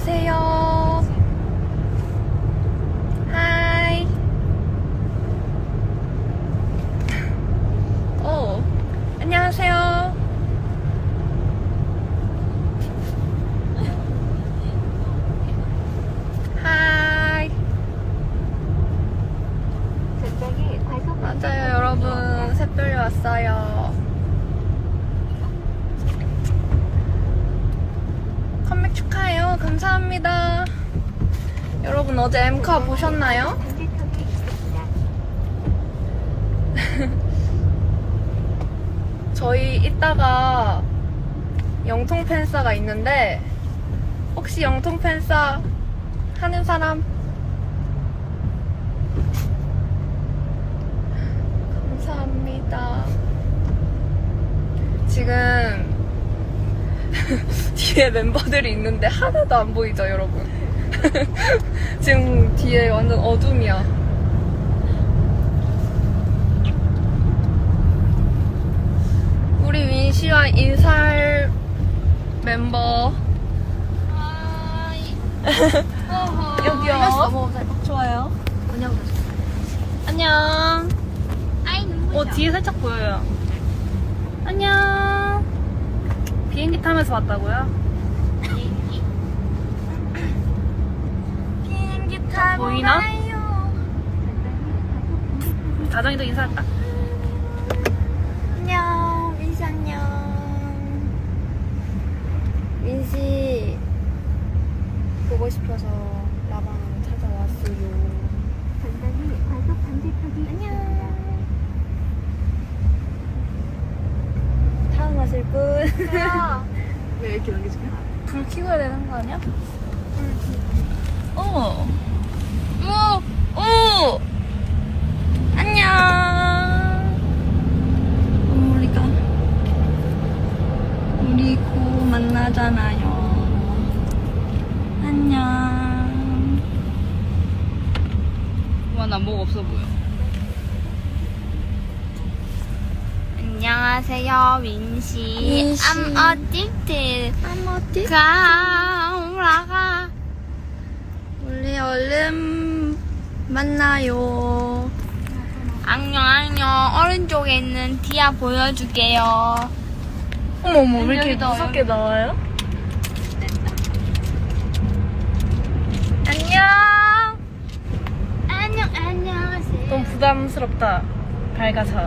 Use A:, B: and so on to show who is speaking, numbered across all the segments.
A: 안녕하세요. 하이. 오, 안녕하세요. 하이. 맞아요, 여러분. 샛별이 왔어요. 컴백 축하해요. 감사합니다. 여러분 어제 엠카 보셨나요? 저희 이따가 영통 팬싸가 있는데 혹시 영통 팬싸 하는 사람? 감사합니다. 지금 뒤에 멤버들이 있는데 하나도 안 보이죠, 여러분? 지금 뒤에 완전 어둠이야. 우리 윈씨와 인사할 멤버. 여기요. 좋아요. 안녕. 뒤에 살짝 보여요. 안녕. 비행기 타면서 왔다고요? 비행기 타고 보이나? 가요. 다정이도 인사했다. 안녕, 민씨 안녕. 민씨 보고 싶어서 라방 찾아왔어요. 안녕. 다음 마실 분.
B: 왜 이렇게 넘겨줄까?
A: 불 켜야 되는 거 아니야? 오! 안녕! 우리 곧 만나잖아요. 안녕.
B: 와, 나 목 없어 보여.
C: 안녕하세요, 윈씨.
A: 윈씨.
C: I'm addicted.
A: 어디?
C: 올라가.
A: 우리 얼른 만나요.
C: 안녕. 오른쪽에 있는 디아 보여줄게요.
A: 어머머, 왜 이렇게
C: 여기다,
A: 무섭게 나와요? 안녕!
C: 안녕하세요.
A: 너무 부담스럽다. 밝아서.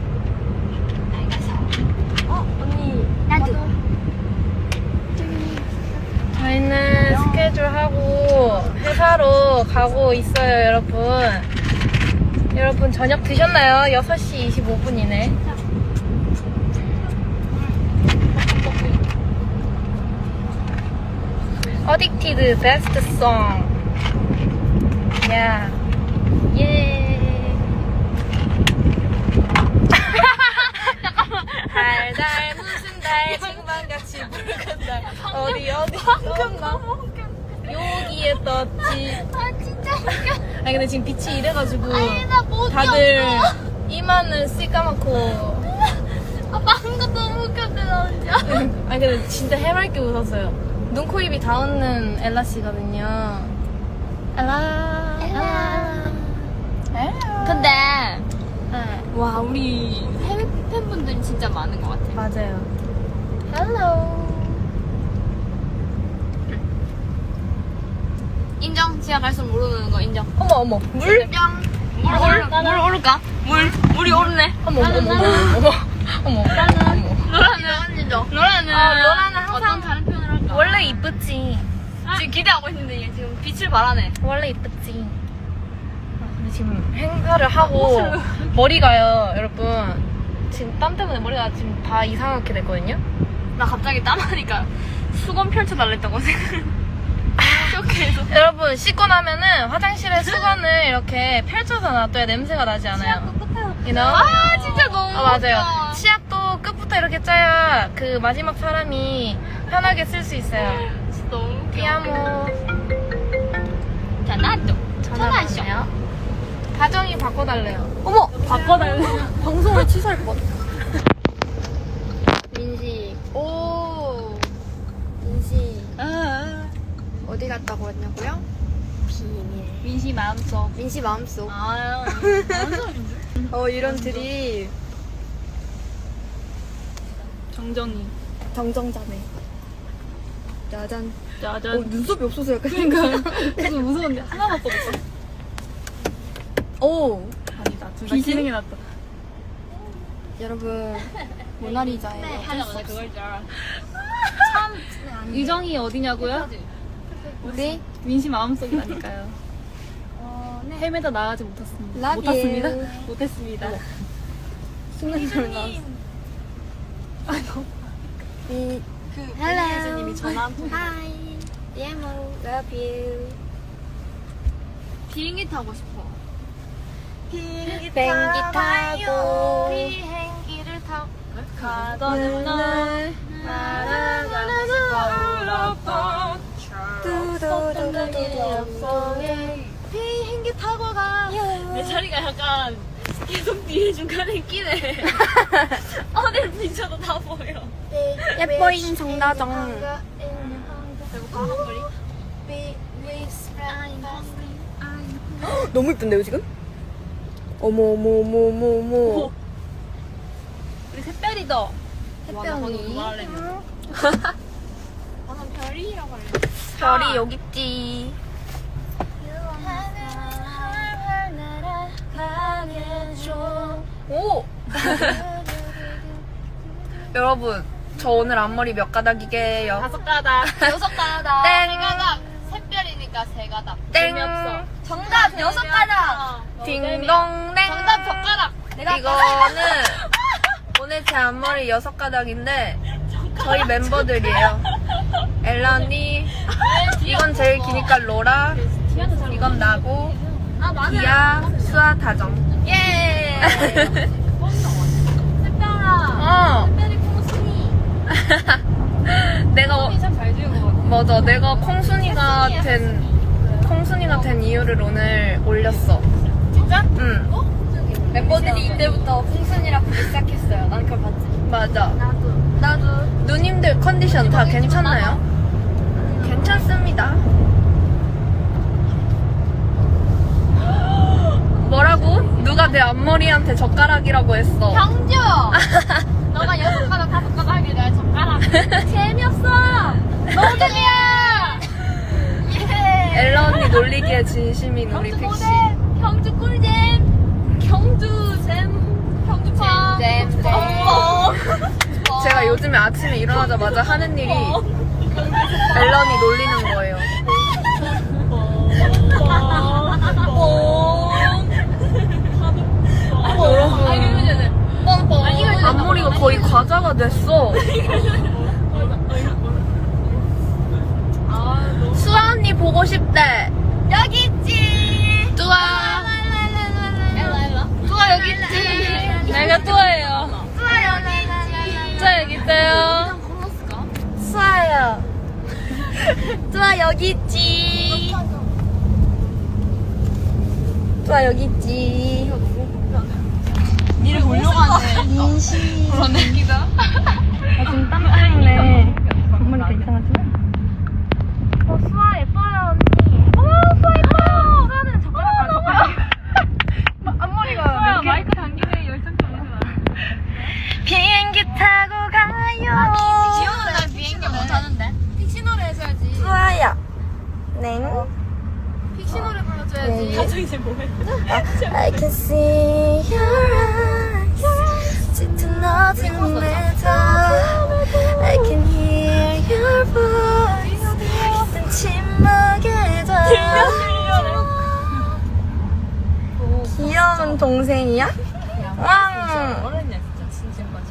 A: 언니.
C: 나도.
A: 저희는 스케줄하고 회사로 가고 있어요, 여러분. 여러분, 저녁 드셨나요? 6시 25분이네. Addicted Best Song. 야. 예. 달달 무슨 달 쟁반같이 붉은 달 어디 떴나? 여기에 떴지.
C: 아, 진짜 웃겨.
A: 아니 근데 지금 빛이 이래가지고
C: 아니, 나 못
A: 다들
C: 꼈어.
A: 이마는 새까맣고
C: 아, 방금 너무 웃겼대, 나 혼자.
A: 아니 근데 진짜 해맑게 웃었어요. 눈, 코, 입이 다 웃는 엘라씨거든요. 엘라
C: 근데,
A: 네,
C: 와, 우리 해외 팬분들이 진짜 많은 것 같아.
A: 맞아요. 헬로.
C: 인정? 지하 갈수록 모르는 거 인정.
A: 어머 물?
C: 인정. 물 오를까? 물이 오르네.
A: 어머
C: 로라는 인정. 로라는
A: 로라는
C: 어떤
A: 항상
C: 다른 표현을 할까?
A: 원래 이쁘지.
C: 지금 기대하고 있는데 얘 지금 빛을 발하네.
A: 원래 이쁘지. 근데 지금 행사를 하고 머리가요, 여러분. 지금 땀 때문에 머리가 지금 다 이상하게 됐거든요.
C: 나 갑자기 땀하니까 수건 펼쳐달랬다고 생각. 쇼케에서.
A: 여러분 씻고 나면은 화장실에 수건을 이렇게 펼쳐서 놔둬야 냄새가 나지 않아요. You know?
C: 아, 진짜 너무
A: 맞아요.
C: 웃겨.
A: 치약도 끝부터 이렇게 짜야 그 마지막 사람이 편하게 쓸 수 있어요.
C: 진짜 너무 웃겨.
A: 띠아모.
C: 전화도.
A: 전화하시요. 다정이 바꿔달래요. 어머! 바꿔달래요? 방송을 취소할 뻔. 민지. 오. 민지. 어디
D: 어디 갔다고 왔냐고요? 비밀.
B: 민시 마음속.
D: 민씨 마음속.
B: 아,
D: 이런 드립.
B: 정정이.
D: 정정자네. 짜잔.
B: 짜잔.
D: 눈썹이 없어서 약간.
B: 그러니까 그래서 무서운데 하나만 써봤어.
D: 오.
B: 아니다. 둘다
D: 귀신?
B: 기능이 났다.
D: 여러분, 모나리자예요.
B: 네, 하나 그걸 줄 알아. 유정이 어디냐고요?
D: 우리
B: 민시 마음속이라니까요. 헤매다 나가지 못했습니다.
D: Love
B: 못했습니다.
D: you.
B: 못했습니다.
D: 순간적으로 나왔어. 그
B: 혜진님이 전화 한 통.
D: Hi. DMO. Love you.
B: 비행기 타고 싶어.
D: 비행기 타고
B: 비행기를 타고
D: 가던 날
B: 날아가고
D: 비행기 타고 가.
B: 내 자리가 약간 계속 뒤에 중간에 끼네. 어딜 비춰도 다 보여.
D: 예뻐잉 정다정.
B: 배고파 한거리?
D: 너무 이쁜데요 지금? 어머 어머 어머 어머 어머.
B: 우리 샛별이다.
D: 햇볕이.
B: 나는 별이라고 할래.
D: 별이 여기 있지. 오. 여러분, 저 오늘 앞머리 몇 가닥이게요?
B: 5가닥. 6가닥.
D: 땡.
B: 3가닥. 샛별이니까 3가닥.
D: 땡.
B: 재미없어.
D: 정답 6가닥. 딩동댕.
B: 정답 젓가락.
D: 이거는 오늘 제 앞머리 6가닥인데 저희 멤버들이에요. 엘라 언니, 이건 제일 기니까 로라, 이건 나고, 기아, 수아, 다정. 예.
B: 샛별아.
D: 어.
B: 샛별이 콩순이.
D: 내가
B: 참잘 지은 것 같아.
D: 맞아. 내가 콩순이가 된 이유를 오늘 올렸어.
B: 진짜?
D: 응.
B: 멤버들이 이때부터 콩순이라 부르기 시작했어요. 난 그걸 봤지.
D: 맞아.
B: 나도.
D: 누님들 컨디션 다 괜찮나요? 괜찮습니다. 뭐라고? 누가 내 앞머리한테 젓가락이라고 했어.
B: 경주! 너가 6가닥 5가닥 하길 내가 젓가락. 재미없어! 너무들이야! 예!
D: 엘라 언니 놀리기에 진심인 우리
B: 경주
D: 픽시.
B: 모델! 경주 꿀잼! 경주 잼! 경주파!
D: 잼.
B: 어머!
D: 제가 요즘에 아침에 일어나자마자 하는 일이 엘라 언니 놀리는 거예요. 여러분, 앞머리가 거의 과자가 됐어. 수아 언니 보고 싶대.
B: 여기 있지!
D: 뚜아.
B: 뚜아 여기 있지!
D: 내가 뚜아예요.
B: 뚜아 여기 있지!
D: 뚜아 여기 있어요. 수아야. 뚜아 여기 있지. 뚜아 여기 있지.
B: 니를 보려고 하네.
D: 인시.
B: 그러네.
D: 지금 땀 때문에 앞머리 괜찮아지나? 수아 예뻐요 언니. 수아 예뻐요. 수아는 젓가락 앞머리가
B: 뚜아 마이크 당기네 열정적이지 마.
D: 비행기 타고 가요.
B: 귀여운 날 비행기 못하는데. 픽시 노래 해줘야지.
D: 수아야. 네.
B: 픽시 노래 불러줘야지. 가정 이제 뭐해?
D: I can see your eyes. 짙은 어둠 에서 I can hear your voice. 긴 침묵에도 귀여운 동생이야? 왕.
B: 어렸냐 진짜 진심까지.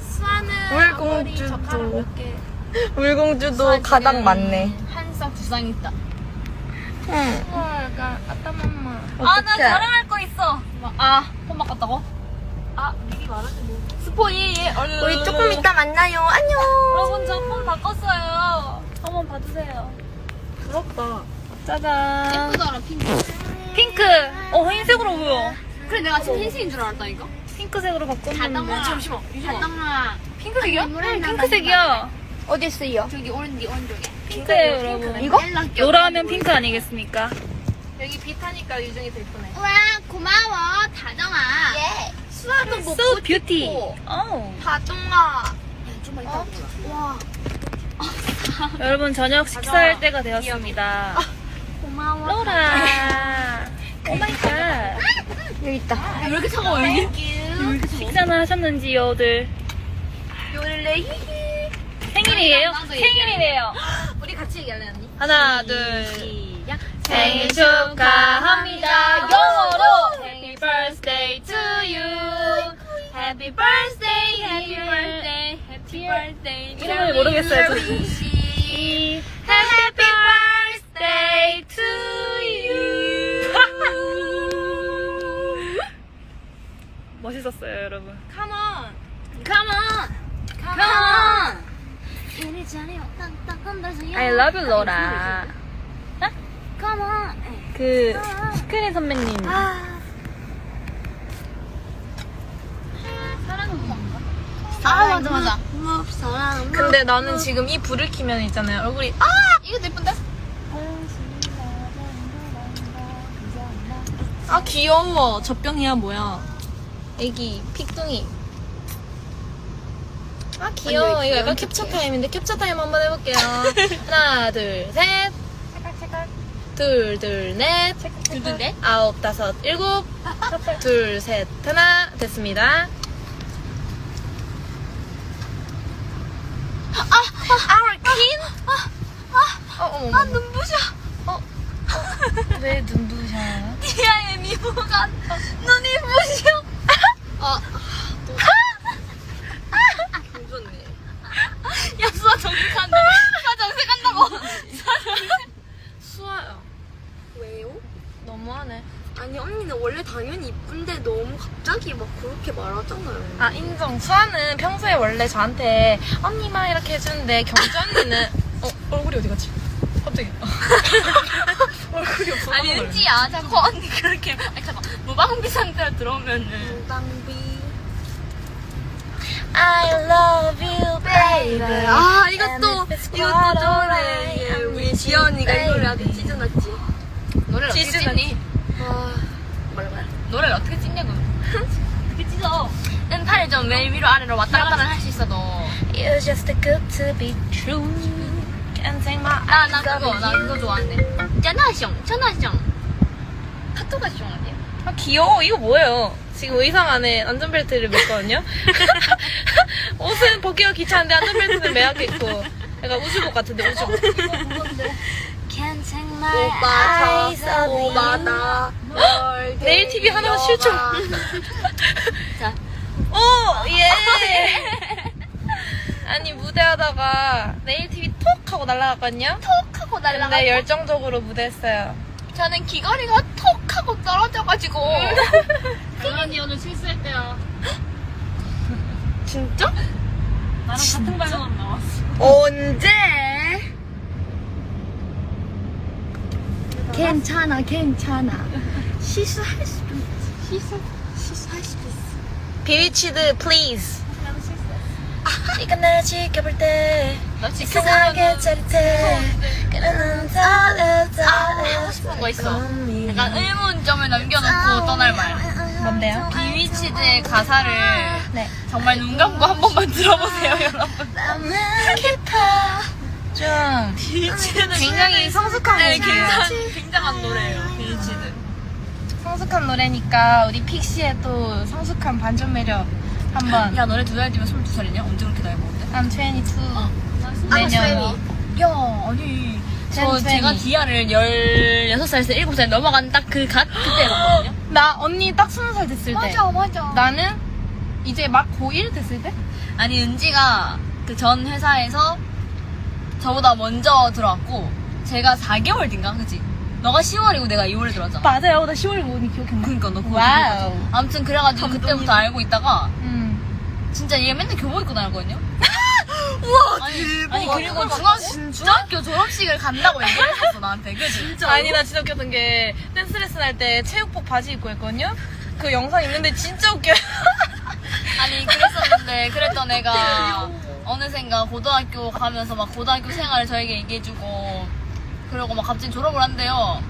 D: 물공주도 물공주도 가닥 많네.
B: 한 쌍 두 쌍 있다.
D: 응.
B: 약간 아따맘마.
D: 어떡해.
B: 나 자랑할 거 있어. 폰 바꿨다고? 미리 말하지 뭐. 스포이 얼른.
D: 우리 조금 이따 만나요. 안녕.
B: 여러분 저 폰 바꿨어요. 한번 봐주세요.
D: 부럽다. 짜잔.
B: 예쁘더라 핑크.
D: 핑크. 흰색으로 보여.
B: 그래 내가 지금 흰색인 줄 알았다니까.
D: 핑크색으로 바꿨는데.
B: 잠시만. 잠깐만.
D: 핑크색이야? 응, 핑크색이야.
C: 어디 있어요?
B: 저기 오른쪽에.
A: 핑크예요, 여러분.
C: 이거?
A: 노라하면 핑크 아니겠습니까?
D: 여기 빛하니까 유정이 더 이쁘네.
B: 와 고마워 다정아.
C: 예.
B: 수아도 먹고
A: So beauty.
B: 싶고.
A: 어.
C: 다정아.
B: 좀만 이따 와
A: 여러분 저녁 식사할 때가 되었습니다.
B: 고마워.
A: 로라. 오 마이 갓.
C: 여기 있다.
B: 왜 이렇게 차가워 여기?
A: 식사는 하셨는지요들?
C: 요래.
A: 생일이에요?
B: 나도
A: 생일이래요.
D: 우리 같이 얘기할래 언니?
A: 하나, 둘, 시작. 생일 축하합니다. 영어로 Happy birthday to you. Happy birthday, happy birthday, happy birthday. 이름을 모르겠어요. 저. Happy birthday to you. 멋있었어요, 여러분.
D: Come on.
B: Come on. Come on. 생일 잘해요.
A: I love you, 로라.
B: Come on.
A: 그 시크릿 선배님.
B: 아 맞아.
D: 근데 나는 지금 이 불을 켜면 있잖아요. 얼굴이
B: 이거 예쁜데?
D: 아 귀여워. 젖병이야 뭐야? 애기 픽둥이. 아 귀여워. 이거 약간 캡처 타임인데 캡처 타임 한번 해볼게요. 하나 둘 셋. 둘 둘 넷.
B: 누군데?
D: 아홉 다섯 일곱. 둘 셋 하나 됐습니다. 어머.
B: 눈부셔.
D: 왜 눈부셔요?
B: 디아의 미모가 눈이 부셔.
D: 좋네.
B: 야 수아 정색한다. 수아 정색한다고.
D: 수아야.
C: 왜요?
D: 너무하네.
C: 아니 언니는 원래 당연히 이쁜데 너무 갑자기 막 그렇게 말하잖아요.
D: 아 인정. 수아는 평소에 원래 저한테 언니만 이렇게 해주는데 경주 언니는 얼굴이 어디 갔지? 갑자기 얼굴이 없어.
B: 아니 은지야 자꾸 언니 그렇게 아니 잠깐 무방비 상태로 들어오면은
C: 낭비.
D: I love you, baby.
C: 아 이것도 노래. 우리 지연이가 이 노래 아주 찢어놨지.
B: 노래를 어떻게 찢니?
C: 아 말말.
B: 노래를 어떻게 찢냐고. 어떻게 찢어? 은팔을 좀 왜 위로 아래로 왔다 갔다 할 수 있어 너.
D: You're just too good to be true. Can't take my
B: 나
D: eyes
B: 그거
D: off
B: 나
D: you.
B: 그거 좋아하는데. 짜나숑. 카토가 숑 아니야?
D: 아 귀여워. 이거 뭐예요? 지금 의상 안에 안전벨트를 맸거든요. 옷은 벗기가 귀찮은데 안전벨트는 매야겠고. 약간 우주복 같은데 우주복.
B: Can't take my
C: 오바다. 오바다.
D: 내일 TV 하나만 실종.
B: 자.
D: 오 예. 아니 무대하다가 네일 TV 톡 하고 날아갔거든요.
B: 톡 하고 날라가.
D: 근데 열정적으로 무대했어요.
B: 저는 귀걸이가 톡 하고 떨어져가지고. 언니 오늘 실수했대요.
D: 진짜?
B: 나랑 같은 발만 나왔어.
C: 언제?
B: 괜찮아. 실수할 수도 있어.
C: 실수할 수도 있어.
D: 비위치드 플리즈. 네가 날 지켜볼 때
B: 너 지금
D: 이상하게 짜릿해. 그러는
B: 하고 싶은 거 있어. 약간 의문점을 남겨놓고 떠날 말.
D: 뭔데요?
B: 비위치드의 가사를
D: 네.
B: 정말 눈 감고 한 번만 들어보세요, 여러분.
D: 좀
B: 비위치드는
D: 굉장히 성숙한
B: 네,
D: 곡이에요.
B: 굉장한 노래예요, 비위치드.
D: 성숙한 노래니까 우리 픽시의 또 성숙한 반전 매력 한번.
B: 야, 너네 2살 뒤면 22살이냐? 언제 그렇게 나이 먹었대?
D: I'm 22.
C: I'm
D: 내년.
B: 야, 아니. 저
D: 젠
B: 제가
D: 트웬티.
B: 디아를 16살에서 7살 넘어간 딱 그때 봤거든요.
D: 나 언니 딱 20살 됐을 때.
B: 맞아.
D: 나는 이제 막 고1 됐을 때?
B: 아니, 은지가 그 전 회사에서 저보다 먼저 들어왔고, 제가 4개월 뒤인가? 그치? 너가 10월이고 내가 2월에 들어왔잖아.
D: 맞아요. 나 10월 모니 기억했나?
B: 그니까 너 그거
D: 와우.
B: 기억하지? 아무튼 그래가지고 그때부터 알고 있다가 진짜 얘 맨날 교복 입고 다녔거든요?
C: 우와
B: 아니 그리고 중학교 졸업식을 간다고 얘기했었어 나한테. 그치?
D: 아니 나 진짜 웃겼던 게 댄스 레슨 할 때 체육복 바지 입고 했거든요. 그 영상 있는데 진짜 웃겨요.
B: 아니 그랬었는데 그랬던 애가 어느샌가 고등학교 가면서 막 고등학교 생활을 저에게 얘기해주고 그러고 막 갑자기 졸업을 한대요.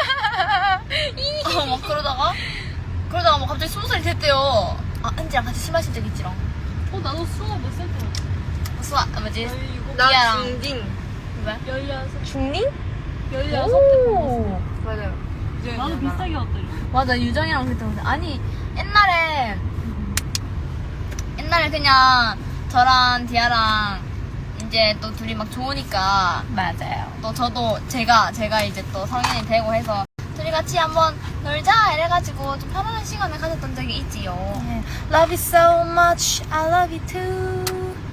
B: 막 그러다가 막 갑자기 20살이 됐대요. 아 은지랑 같이 술 마신 적 있지롱.
C: 나도 수업 몇살 때
B: 수아 뭐지?
C: 나
B: 이하랑.
C: 중딩.
B: 왜?
C: 16.
A: 중딩?
C: 16살
A: 오.
C: 맞아요.
E: 나도 비슷하게 왔다.
B: 맞아 유정이랑 그랬던 거 아니 옛날에 그냥 저랑 디아랑 이제 또 둘이 막 좋으니까
A: 맞아요.
B: 또 저도 제가 이제 또 성인이 되고 해서 둘이 같이 한번 놀자 이래가지고 좀 편안한 시간을 가졌던 적이 있지요.
A: Love you so much, I love you too.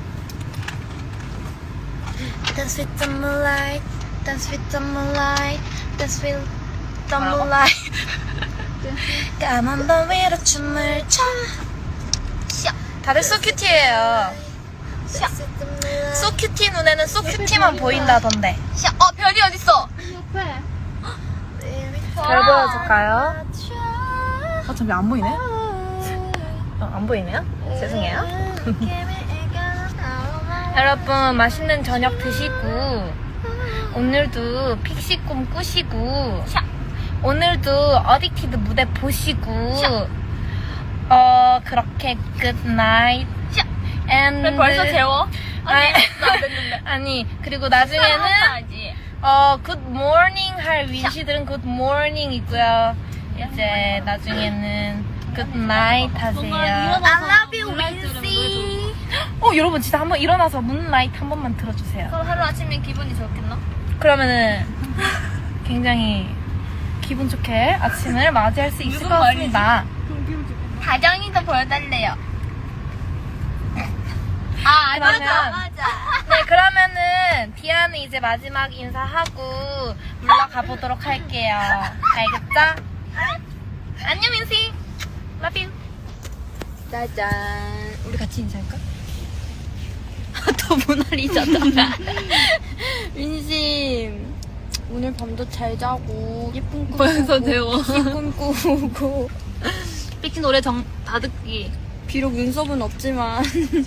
A: Dance with the moonlight, dance with the moonlight, dance with the
B: 뭐라고?
A: moonlight. 까만 밤 위로 춤을 춰.
B: 시야.
A: 다들 소큐티예요.
B: 시야.
A: 소큐티 눈에는 소큐티만 보인다던데.
B: 시야. 별이 어딨어?
A: 별 보여줄까요? 아, 참, 안 보이네? 안 보이네요? 죄송해요. 여러분, 맛있는 저녁 드시고, 오늘도 픽시 꿈 꾸시고, 오늘도 어딕티드 무대 보시고, 그렇게 good night. And
B: 왜 벌써 재워?
A: 아니,
B: 안 됐는데.
A: 아니, 그리고 나중에는 good morning 할 윈시들은 good morning 있고요. 이제 나중에는 good night 하세요.
B: I love you, 윈시.
A: 여러분 진짜 한번 일어나서 문라이트 한 번만 들어주세요.
B: 그럼 하루 아침에 기분이 좋겠나?
A: 그러면은 굉장히 기분 좋게 아침을 맞이할 수 있을
B: 무슨
A: 것 같습니다.
B: 다정이도 보여달래요.
A: 그러면-
B: 맞아.
A: 네, 그러면은 디아는 이제 마지막 인사하고 물러가 보도록 할게요. 알겠죠? 안녕 민씨. Love you.
C: 짜잔.
B: 우리 같이 인사할까? 또 모나리자다.
C: 민심. 오늘 밤도 잘 자고 예쁜 꿈
B: 벌써
C: 꾸고,
B: 재워.
C: 꿈 꾸고
B: 픽시 노래 다 듣기.
C: 비록 눈썹은 없지만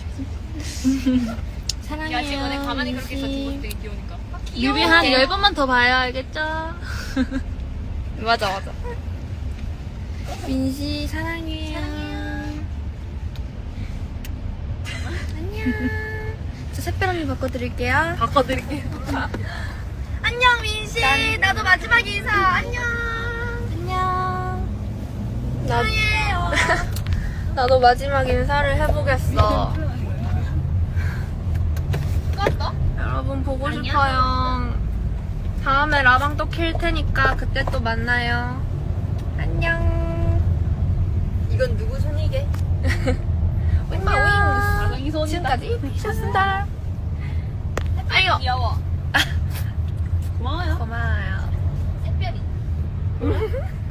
C: 사랑해요.
B: 야 지금 오늘 가만히 그렇게 있어
C: 민심.
B: 되게 귀여우니까.
C: 뮤비 한 10번만 더 봐요. 알겠죠?
B: 맞아.
C: 민시 사랑해요. 안녕. 저 샛별 언니 바꿔드릴게요.
B: 바꿔드릴게.
C: 안녕 민시. 나도 마지막 인사. 안녕. 사랑해요. 나도 마지막 인사를 해보겠어.
B: 껐어?
C: 여러분 보고
B: 아니야?
C: 싶어요. 다음에 라방 또 킬 테니까 그때 또 만나요. 안녕. 이건 누구 손이게? 안녕.
B: 이 손이
C: 지금까지 피셨습니다.
B: 아이고. 귀여워.
E: 고마워요.
C: 고마워요.
B: 샛별이.